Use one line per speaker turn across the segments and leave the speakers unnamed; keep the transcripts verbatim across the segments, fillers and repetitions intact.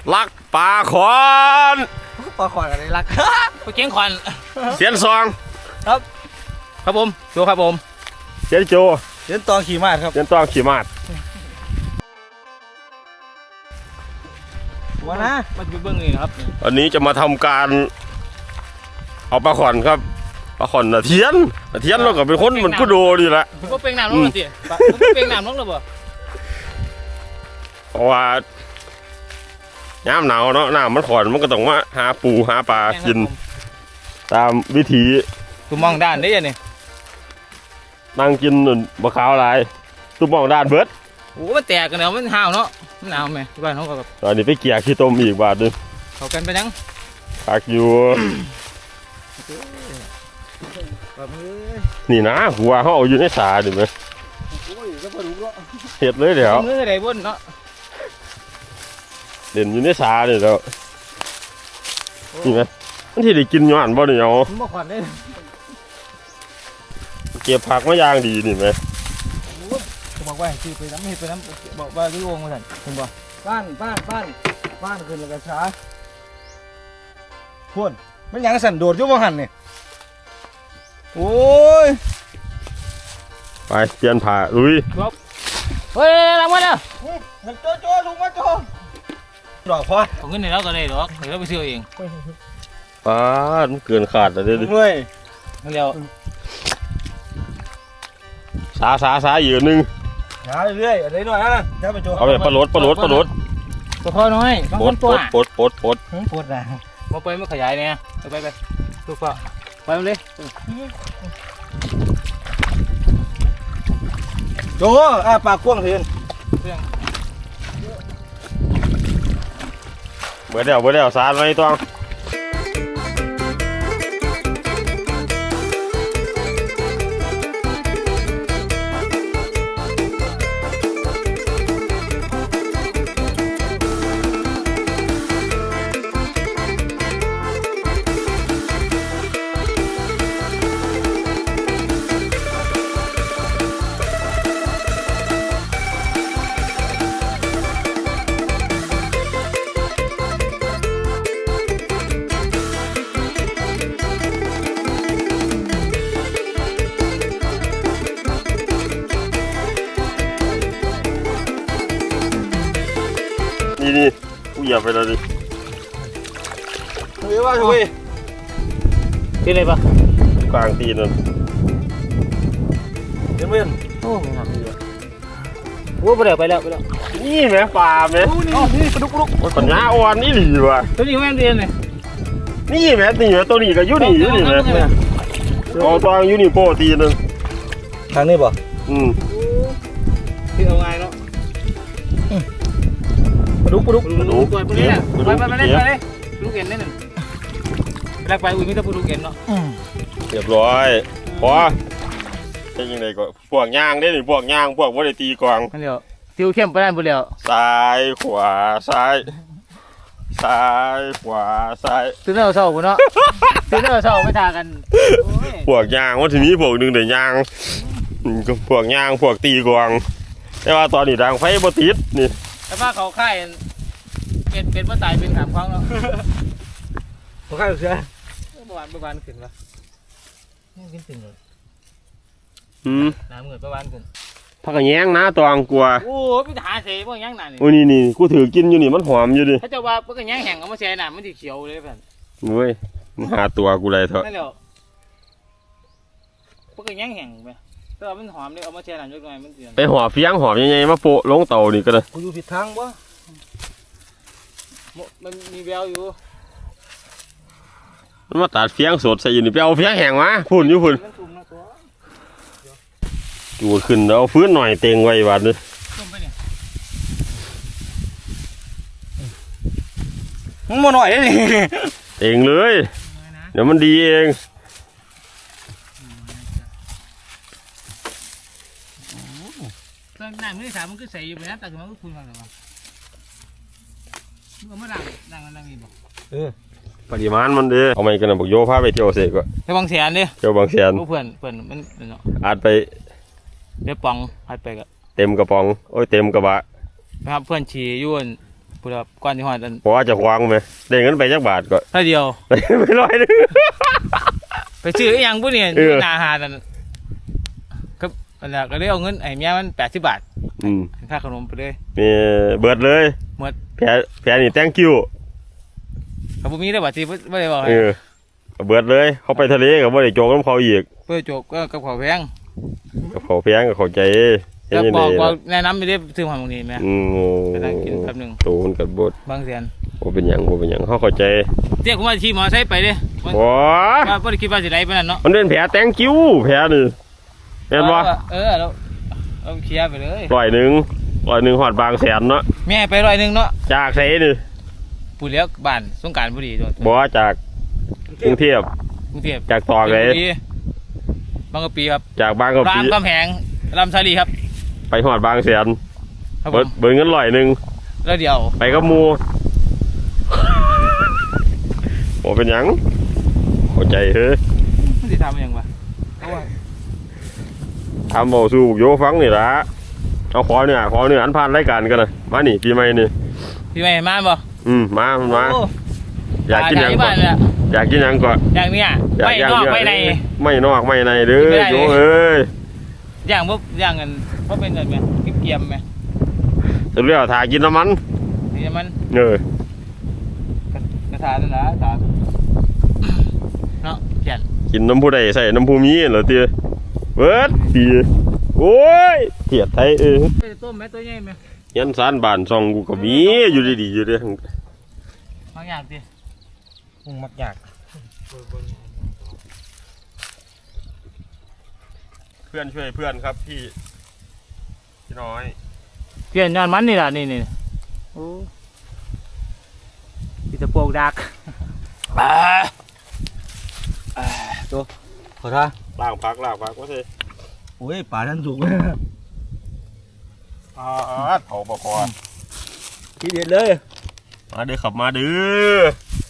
ลักปลาขอน
ปลาขอนอะไรรักปลาเก่งขอน
เสียนซอง
ครับครับผมโจครับผม
เสียนโจ
เสียนตองขี่ม้าครับ
เสียนตองขี่ม้า
ว่านะมาดูเบื้องนี้นะครับ
อันนี้จะมาทำการเอาปลาขอนครับปลาขอนน่ะเทียนน่ะเทียนเราก็เป็นคนเหมือนกูโดดีละ
ผมก็เป็นน้ำน้องหน่อยสิผมก็เป็นน้ำน้องเลยบ่
เพราะว่าย้ำหนาวเนาะน้ำมันขอนมันก็ต้องมาหาปูหาปลากินตามวิถี
กูมองด้านได้ยังนี่
นั่งกินบะขาวลายตุ้มมองด้านเบิด
โอ้มันแตกกันแล้วมันห่าวเนาะมันหนาวไหมบ้านเขาก็แบบ
ตอนนี้ไปเกี่ยขี้ต้มอีกบาทนึง
เขากันไปยัง
พักอยู่
แบบนี้
นี่นะหัวเขาเอาอยู่ในสาดิไหม
โอ้ยก็พอรู้เนาะ
เห็ดเลยเดี๋ยว
มือไหนบนเนาะ
เด่นอยู่ในสาเดี๋ยวนี่ไหมมันที่ได้กินย้อนบ่เนี่ยเอา
ผมบอกขอนได้
เก็บผักมายางดีนี่ไหม
ผมบอกว่าคือไปน้ำเห็ดไปน้ำบอกว่าที่วงมาสั่นคุณบอกบ้านบ้านบ้านบ้านขึ้นแล้วก็ช้าพ่นมันยังสั่นโดดอยู่บ่หันนี่โอ้ย
ไปเปลี่ยนผ้าลุย
เฮ้ยรางวัลอ่ะโจโจลุงมาโจดอกพอของเงินในเราก็ได้ดอกเดี๋ยวเราไปซื้อเอง
ป้าดมันเกินขาดแล้วเด้อดิ
เฮ้ยเดี๋ยว
สาสาสาอยู่นึง
หาเรื่อยๆอะไรหน่อยนะเดี๋ยวไปโจ
เอาไปปลาลดปลาลดปลาลด
ตัวพอน้อยบาง
ป
ค
ด
น
ป
ตัว
ดปดปดปด
ปวดนะมาไปไม่ขยายเนี่ยไปไปไปตัวพอไปเลยโจอ่ะปากกว้างเทียน
เบื่อเดี๋ยวเบื่อเดี๋ยวสาไว้ต้องนี่นี่กูเหยียบไปแล้วดิ
เฮ้ยว่าเฮ้ยที่ไหนปะ
กลางตีนนั่น
เดี๋ยวเพื่อนโอ้ไม่ทำดีอ่ะโอ้ไปแล้วไปแล้วไปแล้ว
นี่แม่ปลาแม่
โอ้นี่นี่ปลาดุกปลาดุก
โอ้ยปัญญาอ่อนนี่หลีว่ะ
ตัวนี้แม่เรียนเลย
นี่แม่นี่แม่ตัวนี้ก็อยู่นี่อยู่นี่แม่เอาตัวอยู่นี่โปรตีนนึง
ทางนี้ป่ะ
อืม
ที่เอาไงเนาะปลาดุกปลาดุกปลาดุกปลาดุกเนี่ยไปไปไปเล่นไปเลยปลาดุกเอ็นเล่นหนึ่งแรกไปอุ้ยไม่ต้องปลาดุกเอ็นเนาะ
เรียบร้อยพอเป็นยังไงก็พวกย่างได้หนิพวกย่างพวกว่าได้ตีกวาง
นั่นเดียวทิวเข้มไปได้หมดแล้ว
ซ้ายขวาซ้ายซ้ายขวาซ้าย
ตื่นเต้นเศร้ากูเนาะตื่นเต้นเศร้าไม่ทากัน
พวกย่างว่าทีนี้พวกหนึ่งเดี๋ยวย่างอืมก็พวกย่างพวกตีกวางแต่ว่าตอนนี้ดังไฟบ่ติดนี่
แต่ว่าเขาค่ายเป็นเป็นเมื่อตายเป็นถามครั้งแล้วเขาค่ายเสือเมื่อวานเมื่อวานขึ้นปะนี่ขึ้นถึงเลย
อืม
น้ำเงินเมื่อวานขึ้น
พักกระแยงนะตองกลัว
โอ้พี่ทหารเสียพวกยังหนานี่
โอ้นี่นี่กูถือกินอยู่นี่มันหอมอยู่ดิ
ถ้าจะว่าพวกยังแห้งเอามาเสียหนามันสีเขียวเลยเพื่อน
เว้ยมันหาตัวกูเลยเถอะ
นั่นแหละพวกยังแห้งไปแต่ว่ามันหอมเลยเอามาเสียหนาเล็กน้อยมันเสีย
ไปหอเฟียงหอมยังไงมาโปะลงเตานี่ก็เลย
กูอยู่ผิดทางวะมันมีแววอยู่
มันมาตัดเฟียงสดใส่อยู่นี่ไปเอาเฟียงแห้งมาพุ่นอยู่พุ่น
มันสุ่มนะตัว
จูขึ้นแล้วเอาฟื้นหน่อยเต็งไว้บาดนึง
สุ่มไปเนี่ยมึงมาหน่อยเลย
เต็งเลย เดี๋ยวมันดีเอง
ตอนนั่งมือสามมันก็ใส่อยู่ไปนะแต่คือมันก็คุณฟังหรือเปล่ามึงเอามาดังดังดังนี่บอกเออ
ปริมาณมันเด้เอาไม่กันนะบอกโยพาไปเที่ยวเสกก็
ไปบางแสนดิ
เที่ยวบางแสน
เพื่อนเพื่อนมันเนาะ
อาจไป
เดี๋ยวปองพัดไปก็
เต็มกระป๋องโอ้ยเต็มกระบะ
ไปครับเพื่อนฉี่ยุ่นพูดว่าก่อนที่หอดอัน
เพราะว่าจะควางไหมได้เงินไปจักบาทก็
เท่าเดียว
ได้ไปร้อยหนึง
ไปซื้ออหยังผู้เนี่ย
เออ
หนาหาดนั่นก็นั่นแหละก็เลยเอาเงินไอ้เมียมันแปดสิบบาท
อืม
ค่าขนมไปเลย
นี่เบิดเลย
หมด
แผลแผลนี่ thank you
เขาบ่มีได้บัตรที่ไม่ได้บอกให้
เออเบิดเลยเขาไปทะเลกับว่าได้โจกน้ำเขาอีก
เพื่อโจกก็กับขอแพง
กับเขาแพงกับเขาใจเฮ็ด
แล้ว
ยัง
บ
ไง
อกบอก
ล่ะ
แนะนำไปได้ซื้อหอยตรงนี้ไหม
อืม
ไปนั่งกินแป๊บหนึง
โตมันกับบด
บางแสน
โอเป็นหยังโอเป็นหยังเขาเข้าใจ
เรียกผมว่าขี่มอเตอร์ไซค์ไปเด้มัน
บ่
ว่าบ่ได้คิดว่าสิได้ปานนั้นเนาะ
มันเป็นแผล thank you แผลนี่เห็นบ่
เออเราเราเคลียร์ไปเลย
ร้อยหนึ่งร้อยหนึ่งหอดบางแสนเนาะ
แม่ไปร้อยหนึงเนาะ
จากไสนี่
ผู้เลี้ยงบ้านสงกรานต์บุรีตัว
บ่จากกรุงเทพ
กรุงเทพ
จากตอกเลย
ชลบุรีบางกะปีครับ
จากบางกะ
รา
ปิ
มคำแหงลำชาลีครับ
ไปหอดบางแสน
ครับผ
เบิด
ม
เบิดเงินร้อยหนึ่ง
แล้วเดี๋ยว
ไปกับหมู่บ่เป็นหยังเข้าใจเฮ้ย
มันสิทำมันหยังวะเพราะว่า
ทำเอาสู่โยฟังนี่ละเอาขอเนี่ยขอเนี่ยอันผ่านรายการกันนะมานี่ปีใหม่นี่
พี่ไม่มาบ่
อืมมามันมา
โอ้
อยากกินหยัง
ต
ก่
บ้า
อน
นเลยอะ
อยากกินหยังก่อน
อย่างเนี้ย
อยาก
ไม่
ย่าง
นอก
เย
ไม่ใน
ไม่นอกไม่ในเด้อ
ไม่ได้เลย
โยเอ้ย
อย่างพวกอย่างเงินพวกเป็นเงินไหมเกียมๆไหม
จะเรียกว่าถ่ายกินน้ำมัน
นี่มัน
เออก
ระถานั่นนะถาเนาะเขียน
กินน้ำผู้ใดใส่น้ำผู้มีเหรอเตี้ยเบิดปีโอ้ยเกียดไทยเออ
ไปต้มไหมตัวใหญ่ไหม
ยันสารบานซองกูก็มีอยู่ดีๆอยู่เด้อบ
างอย่างดิ
มึงมักอยาก
เพื่อนช่วยเพื่อนครับพี่พี่น้อย
เปลี่ยนยอนมันนี่แหละนี่นี่โอ้ปีตะโปกดัก
ตัวขอท่า
ล่างพักล่างพักว่าสิ
โอ้ยป่าท่านถูก
อ่าเผาปะคอ
ทีเด็ดเลย
มาเด้อขับมาเด้อ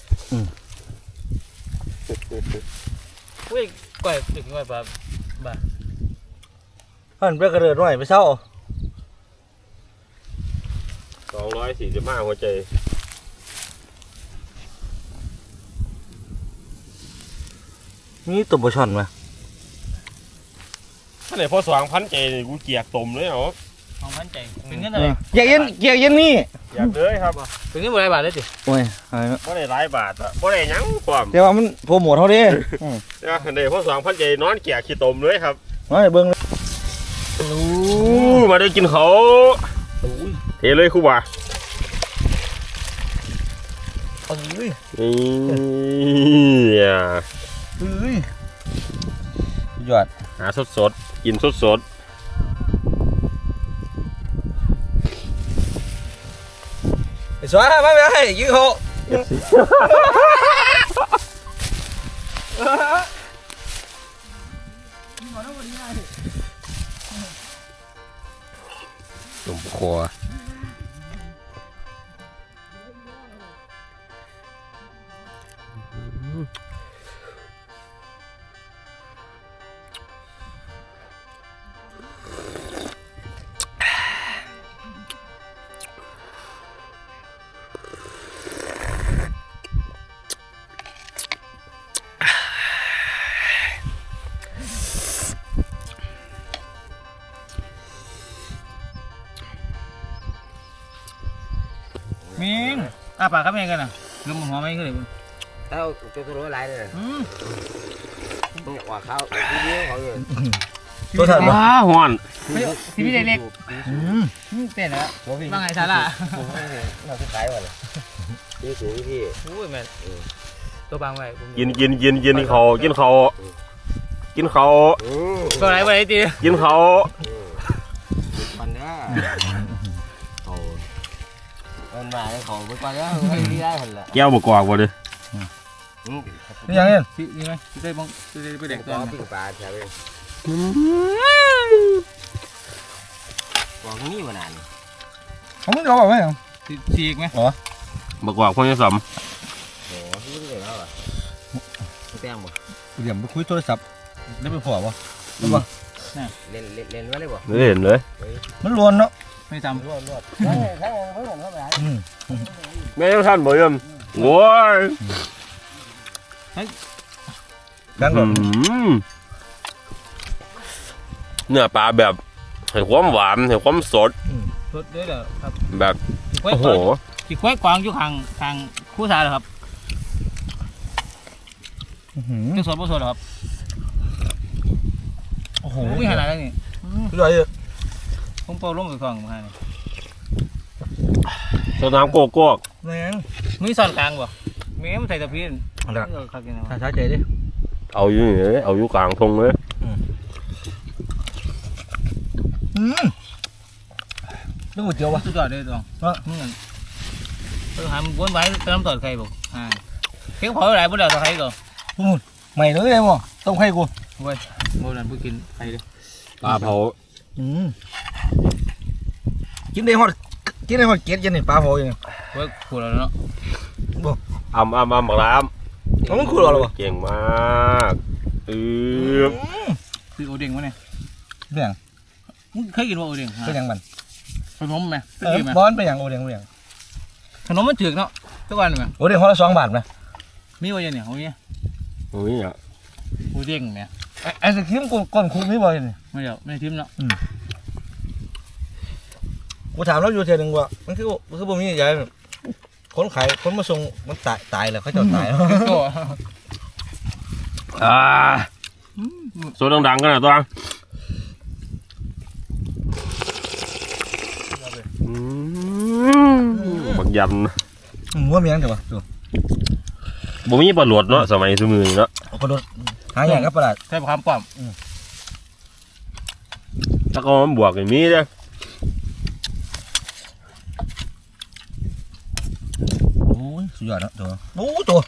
เว้ยก่อยถึงก่อยแบบบ้า
ท่านไปกระเดิดหน่อยไปเศร้า
สองร้อยสี่สิบห้าหัวใจ
มีตัวปลาช่อนไหม
ถ้าไหนพอสว่างพันใจนี่กูเกียกตมเลยเหรอ
สองพันใจเป็นเงินอะไร
เกียกเย็นเกียกเย็นนี่
อยากเลยครับ
เป็นเงินบริบาทเลยสิ
โอ้ยอะไรนะ
บ่ได้หลายบาทอะบ่ได้หยังความ
แต่ว่ามันโปรโมทเท่านี้
นะไหนพอสว่างพันใจนอนเกียกขี้ตมเลยครับ
มาเบิ้งเลย
อู้มาได้กินเขาเทเลยครูบ่า
เอ้ย
นี่อ่ะ
เอ้ยยอด
หาสดสดๆกินสดสด
ไอ้สวยมาไปให้ยิงเขา
ๆตุ่มคอ
มิงอ่ะปากครับเองกันนะลืมหัวไม่ขึ้นเลยคุณ
tao tôi tôi nói lại đây nè
อืม
tôi quả khao cái video họ rồi
ตัวถัดมา
ว้าหอน
ทีวีเล็ก
อืม
ๆอืมเต้นแล้วว่าไงซาร่า
nó cái cái mà này đi xuống cái gì
โอ้ยแม่ตัวบางไว้ผม
กินกินกินกินเขากินเขากินเขา
ừ
ตัวไหนไว้ตี
กินเขา
mình đó ồ bên mà cái khổ với con đó đi ra hình là
แก้วบกอกว่าเด้อ
นี่ยังเนี่ย
ที่นี่ไหมที่ได้บ้องที่ได้ไปแดกตัว
có
นั้น
tiếng bà theo bên còn nghĩ mà nàn
เขามึงเอาแบบไหม
ฉีกไหม
บกอกพ่อจะสม
ồ cái cái đó à cái tiếng mà
เดี๋ยวไปคุยโทรศัพท์ได้ไปพอป่ะ
lên lên lên vào đấy bỏ
ไม่เห็นเลย
มันรวนเนาะ
ไม่จำ
รวดรวดใช่ใช่เพิ่งเหมือนเข้าไป
อืม
แม่ยังท่านบ่เอิ่มโว้ย
ดังก่อน
อืมเนื้อปลาแบบให้ความหวานให้ความสด
สดด้วยเหรอครับ
แบบ
กล้วย
โอ้โห
จีกล้วยกวางอยู่ข้างข้างคู่สาเหรอครับ
อื้อหือ
จะสดบ่สดเหรอครับ
โอ้โห
โอ้ยขนาดนั้นนี่
สุดยอดเลย
ผมเป่าลมกับกล่องมาให้นี่
สดน้ำโกโก้
แม่ง
มีซ่อนกลางบ่แม่มันใส่ตะพีน
เอาละ
เออครับกินเอา
ถ้าช้าใจดิ
เอาอยู่นี่เลยเอาอยู่กลางทงเลย
อืมเรื่องก๋วยเตี๋ยววะ
สุดยอดเลยตอง
เออ
มึงนั่นเออหามวนไว้เติมต่อไข่บ่อ่าเพียงพอหลายบ่แล้วต่อไข่ก็
ใหม่เลยได้มั้งต้มไข่กู
เว้ยบ่นั่นบ่กินไข่เด้อ
ปลาเผา
อืมกินได้ฮอดกินได้ฮอดเกล็ดยันนี่ปลาโหยัง
เว้ยขูดแล้วเนาะ
อ่ำอ่ำอ่ำบักน้
เอามันขูดเหรอวะ
ำเก่งมากอือ
คือโอเด้งวะเนี่ย
เรื่อง
มึงเคยกินบ่โอเด้งฮะ
เป็นหยังมัน
ขนมไหมเคย
เออ
กินไหม
บอนเป็นหยังโอเดียงโอเดียง
ขนมมันถึกเนาะทุกวันไหม
โอเดียงฮอดละสองบาทไหม
มีว่าอย่างเนี่ยเอาเนี่ย
โอ้ยอ่ะ
โอเด้งเนี่ย
ไอ้ไอ้สครีมก้นก้นคุกนี่บ่เนี่ย
ไม่เดี๋ยวไม่ทิมเนาะ
กูถามแล้วอยู่เทียหนึงว่ามันคือมันคือบ่มีใหญ่คนขายคนมาส่งมันตายตายแล้วเขาจะตายแล้ว
โต
อ่าโซดดังๆกันหน่อยตัวอืมบักยัน
อืมว่ามีหยังแต่ว่าดู
บ่มีปลาหลวดเนาะสมัยสมือนี้เนาะ
เอากระโดดหาอย่างกับประหลาด
ใช่ความป้อม
ถ้าก็มันบวกอย่างนี้เด้อ
โอ้ยสุดยอดเนาะตัวโอ้ตัว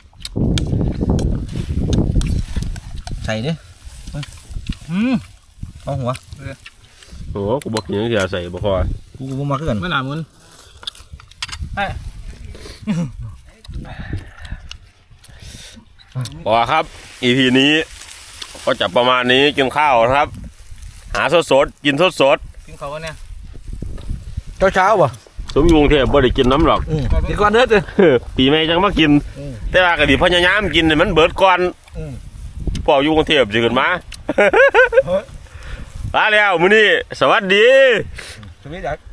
ใส่ดิ
อืม
เอาหัว
โอ้กูบอกอย่างนี้จะใส่บ่พอ
กูกูบ่มาคือกัน
ไม่หนามึน
พอครับ อี พี นี้ก็จะประมาณนี้กินข้าวนะครับ หาสดๆกินสด
กินเขาวะเนี่ย
เช้าเช้าๆป่ะ
ๆสมอยู่กรุงเทพบ่ได้กินน้ำหรอก
อืมกินก่อนเด้อเด้อ
ปีใหม่จังมากิน
อืม
แต่ว่าก็ดิพยายามกินให้มันเบิดก่อน
อืม
พออยู่กรุงเทพสิขึ้นมา
เฮ้ย
ลาแล้วมื้อนี้สวัสดี
สวัสดีจ้ะ